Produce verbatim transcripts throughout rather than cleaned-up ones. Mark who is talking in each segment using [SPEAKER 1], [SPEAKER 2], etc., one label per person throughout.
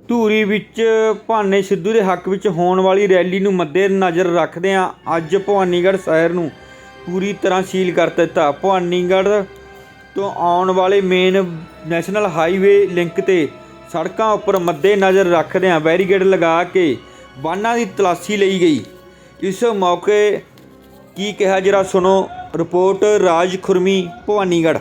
[SPEAKER 1] ਧੂਰੀ ਵਿੱਚ ਭਾਨੇ ਸਿੱਧੂ ਦੇ ਹੱਕ ਵਿੱਚ ਹੋਣ ਵਾਲੀ ਰੈਲੀ ਨੂੰ ਮੱਦੇਨਜ਼ਰ ਰੱਖਦਿਆਂ ਅੱਜ ਭਵਾਨੀਗੜ੍ਹ ਸ਼ਹਿਰ ਨੂੰ ਪੂਰੀ ਤਰ੍ਹਾਂ ਸੀਲ ਕਰ ਦਿੱਤਾ। ਭਵਾਨੀਗੜ੍ਹ ਤੋਂ ਆਉਣ ਵਾਲੇ ਮੇਨ ਨੈਸ਼ਨਲ ਹਾਈਵੇ ਲਿੰਕ ਤੇ ਸੜਕਾਂ ਉੱਪਰ ਮੱਦੇਨਜ਼ਰ ਰੱਖਦਿਆਂ ਬੈਰੀਕੇਡ ਲਗਾ ਕੇ ਵਾਹਨਾਂ ਦੀ ਤਲਾਸ਼ੀ ਲਈ ਗਈ। ਇਸ ਮੌਕੇ ਕੀ ਕਿਹਾ ਜਰਾ ਸੁਣੋ। ਰਿਪੋਰਟ ਰਾਜ ਖੁਰਮੀ, ਭਵਾਨੀਗੜ੍ਹ।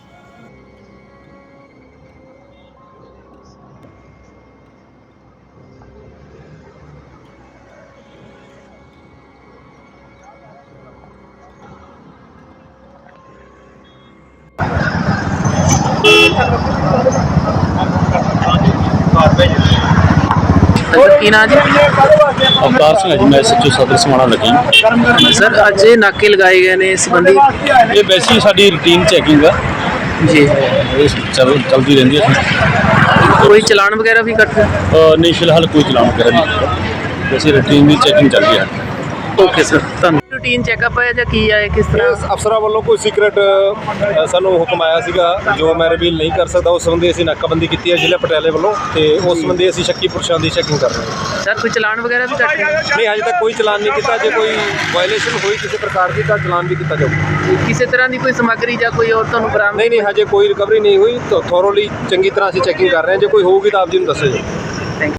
[SPEAKER 2] ਕੀ ਨਾਂ ਜੀ?
[SPEAKER 3] ਅਵਤਾਰ ਸਿੰਘ ਜੀ, ਮੈਂ ਐਸਐਚਓ ਸਦਰ ਸਮਾਣਾ ਲੱਗੀ।
[SPEAKER 2] ਸਰ ਅੱਜ ਇਹ ਨਾਕੇ ਲਗਾਏ ਗਏ ਨੇ ਇਸ ਸੰਬੰਧੀ?
[SPEAKER 3] ਇਹ ਵੈਸੇ ਹੀ ਸਾਡੀ ਰੂਟੀਨ ਚੈਕਿੰਗ ਆ
[SPEAKER 2] ਜੀ,
[SPEAKER 3] ਇਹ ਚੱਲ ਚੱਲਦੀ ਰਹਿੰਦੀ ਹੈ।
[SPEAKER 2] ਕੋਈ ਚਲਾਨ ਵਗੈਰਾ ਵੀ ਕੱਟ?
[SPEAKER 3] ਅਹ ਨਹੀਂ, ਫਿਲਹਾਲ ਕੋਈ ਚਲਾਨ ਵਗੈਰਾ ਨਹੀਂ, ਵੈਸੇ ਰੂਟੀਨ ਦੀ ਚੈਕਿੰਗ ਚੱਲ ਰਹੀ ਹੈ।
[SPEAKER 2] ਓਕੇ ਸਰ, ਧੰਨਵਾਦ। ਰੂਟੀਨ ਚੈੱਕਅਪ ਹੈ ਜਾਂ ਕੀ ਹੈ, ਕਿਸ ਤਰ੍ਹਾਂ?
[SPEAKER 4] ਅਫਸਰਾਂ ਵੱਲੋਂ ਕੋਈ ਸੀਕ੍ਰੇਟ ਸਾਨੂੰ ਹੁਕਮ ਆਇਆ ਸੀਗਾ ਜੋ ਮੈਂ ਰਿਵੀਲ ਨਹੀਂ ਕਰ ਸਕਦਾ। ਉਸ ਸੰਬੰਧੀ ਅਸੀਂ ਨਾਕਾਬੰਦੀ ਕੀਤੀ ਹੈ ਜ਼ਿਲ੍ਹਾ ਪਟਿਆਲੇ ਵੱਲੋਂ, ਤੇ ਉਸ ਸੰਬੰਧੀ ਅਸੀਂ ਸ਼ੱਕੀ ਪੁਰਸ਼ਾਂ ਦੀ ਚੈਕਿੰਗ ਕਰ ਰਹੇ ਹਾਂ।
[SPEAKER 2] ਸਰ ਕੋਈ ਚਲਾਨ ਵਗੈਰਾ ਵੀ ਕੱਟ?
[SPEAKER 4] ਨਹੀਂ, ਅਜੇ ਤੱਕ ਕੋਈ ਚਲਾਨ ਨਹੀਂ ਕੀਤਾ। ਜੇ ਕੋਈ ਵਾਇਲੇਸ਼ਨ ਹੋਈ ਕਿਸੇ ਪ੍ਰਕਾਰ ਦੀ ਤਾਂ ਚਲਾਨ ਵੀ ਕੀਤਾ ਜਾਊਗਾ।
[SPEAKER 2] ਕਿਸੇ ਤਰ੍ਹਾਂ ਦੀ ਕੋਈ ਸਮੱਗਰੀ ਜਾਂ ਕੋਈ ਹੋਰ ਤੁਹਾਨੂੰ ਬਰਾਮਦ?
[SPEAKER 4] ਨਹੀਂ ਨਹੀਂ, ਹਜੇ ਕੋਈ ਰਿਕਵਰੀ ਨਹੀਂ ਹੋਈ। ਥੋਰੋਲੀ ਚੰਗੀ ਤਰ੍ਹਾਂ ਅਸੀਂ ਚੈਕਿੰਗ ਕਰ ਰਹੇ ਹਾਂ। ਜੇ ਕੋਈ ਹੋਊਗੀ ਤਾਂ ਆਪ ਜੀ ਨੂੰ ਦੱਸਿਆ ਜਾਊਗਾ।